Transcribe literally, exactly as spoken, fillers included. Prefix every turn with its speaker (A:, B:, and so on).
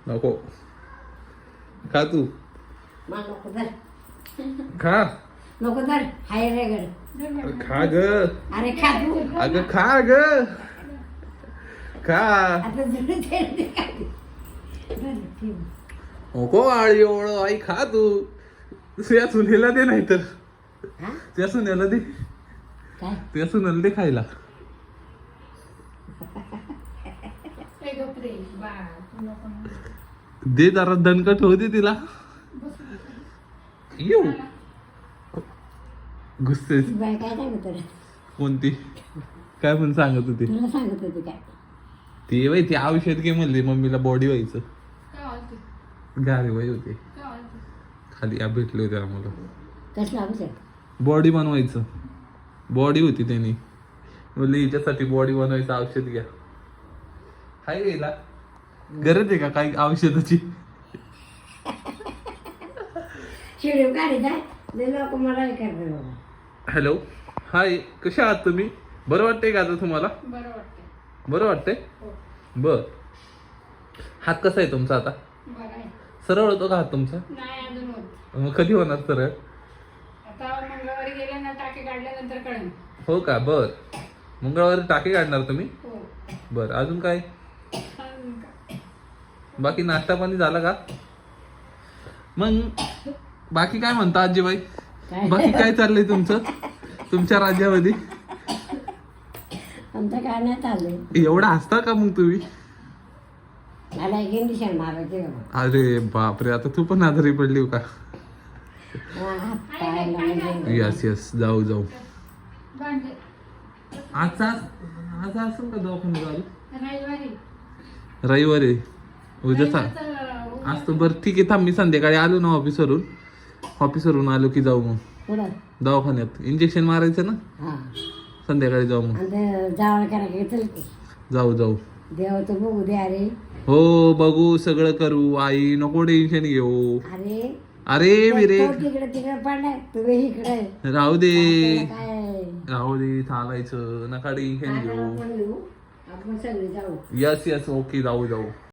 A: नको खा तू
B: मला नको धर
A: खा
B: नको धर हाय रे गड
A: अरे खा ग
B: अरे खा तू
A: अगं खा ग खा
B: आता जुळून ते काय धर ठेव.
A: नको आळी ओळ आई खा तू तुझ्या सुनेला दे नाही तर
B: हा
A: त्या सुनेला दे
B: काय
A: त्या सुनेला दे खायला दे जरा दणकट होती तिला येऊ गुस्से
B: ती बाय काय सांगत होती?
A: कोणती काय पण सांगत होती
B: तुला सांगत होती काय
A: ती बाई ती औषध घे म्हणली मम्मीला बॉडी व्हायचं गारे बाई होते खाली या भेटले होते आम्हाला
B: कसलं औषध
A: बॉडी बनवायचं बॉडी होती त्यांनी बोलली हिच्यासाठी बॉडी बनवायचं औषध घ्या हाय गेला गरज आहे का काही औषधाची
B: शिडीव काढी जाय लय लोक मला हे करतात बाबा
A: हॅलो हाय कशा आहात तुम्ही बरं वाटतंय का आता तुम्हाला
C: बरं वाटतंय
A: बरं वाटतंय
C: हो
A: बर हात कसा आहे तुमचा आता
C: बरं आहे
A: सरळ होतो का हात तुमचा
C: नाही अजून होत
A: मग कधी होणार सरळ
C: आता मंगळवारी गेले ना टाके काढल्यानंतर कळेल
A: हो का बर मंगळवारी टाके काढणार तुम्ही
C: हो
A: बर अजून काय
C: अजून काय?
A: बाकी नाश्ता पाणी झाला का मग बाकी काय म्हणता आजीबाई
B: काय
A: बाकी काय चाललंय तुमचं तुमच्या राज्यामध्ये
B: आमचं काय नाही चाललंय
A: एवढा हसता का मग तुम्ही
B: मला एक इंडिशन मारायचे बाबा
A: अरे बापरे आता तू पण आजारी पडली हो का
B: हा, हात पायाला म्हणजे
A: यस यस जाऊ जाऊ
C: भांडे
A: आजचा आज असेल का दवाखाना चालू
C: रविवारी
A: रविवारी उद्या सांग
C: रविवारचं
A: आज तर बरं ठीक आहे थांब मी संध्याकाळी आलो ना ऑफिसवरून ऑफिसवरून आलो की जाऊ मग
B: पुढं
A: दवाखान्यात इंजेक्शन मारायचं ना
B: हा
A: संध्याकाळी जाऊ मग
B: आणि ते जावळ करा की चल की
A: जाऊ जाऊ
B: देवाचं बघू दे अरे
A: हो बघू सगळं करू आई नको टेन्शन घेऊ
B: अरे
A: अरे विरे
B: तो तिकडे तिकडे पडलाय तुम्ही इकडे
A: राहू दे
B: काय
A: राहू दे चालायचं नका टेन्शन घेऊ
B: आपण येऊ, आपण सगळे जाऊ
A: यस यस ओके जाऊ जाऊ